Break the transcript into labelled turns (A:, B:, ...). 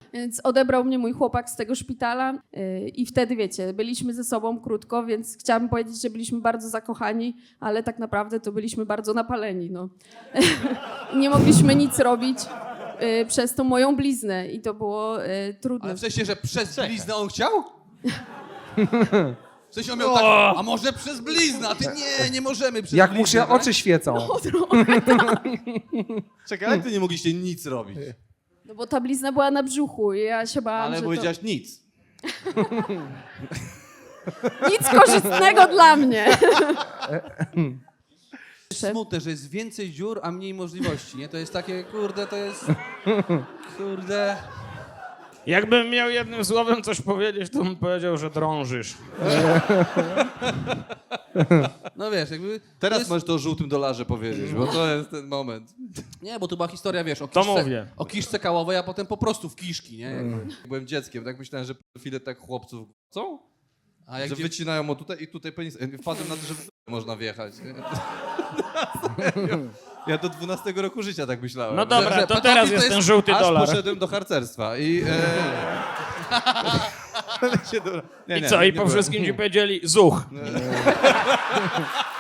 A: Więc odebrał mnie mój chłopak z tego szpitala i wtedy, wiecie, byliśmy ze sobą krótko, więc chciałabym powiedzieć, że byliśmy bardzo zakochani, ale tak naprawdę to byliśmy bardzo napaleni, no. Nie mogliśmy nic robić przez tą moją bliznę i to było trudne.
B: Ale w sensie, że przez bliznę on chciał? W sensie on miał tak, a może przez bliznę, a ty nie możemy przez
C: Jak mu
B: bliznę,
C: się
B: tak?
C: oczy świecą.
B: Czekaj, ale ty nie mogliście nic robić.
A: No bo ta blizna była na brzuchu i ja się bałam,
B: Ale
A: że
B: powiedziałaś nic.
A: nic korzystnego dla mnie.
B: Smutne, że jest więcej dziur, a mniej możliwości, nie? To jest takie, kurde, to jest... Kurde...
D: Jakbym miał jednym słowem coś powiedzieć, to bym powiedział, że drążysz.
B: No wiesz, jakby...
E: Teraz
B: jest...
E: możesz to o żółtym dolarze powiedzieć, bo to jest ten moment.
B: Nie, bo to była historia, wiesz,
D: To mówię.
B: o kiszce kałowej, a potem po prostu w kiszki, nie? Jakby.
E: Jak byłem dzieckiem, tak myślałem, że pedofile tak chłopców chcą,
B: A jak
E: że
B: dzie...
E: wycinają o tutaj i tutaj penis. Wpadłem na to, że w można wjechać. Nie? Ja do 12 roku życia tak myślałem.
D: No dobra,
B: że
D: to
B: pedofil
D: teraz
B: to
D: jest
B: jest-
D: ten żółty
E: Aż
D: dolar.
E: poszedłem do harcerstwa i... Nie,
D: I co, i po
E: byłem.
D: wszystkim ci powiedzieli zuch.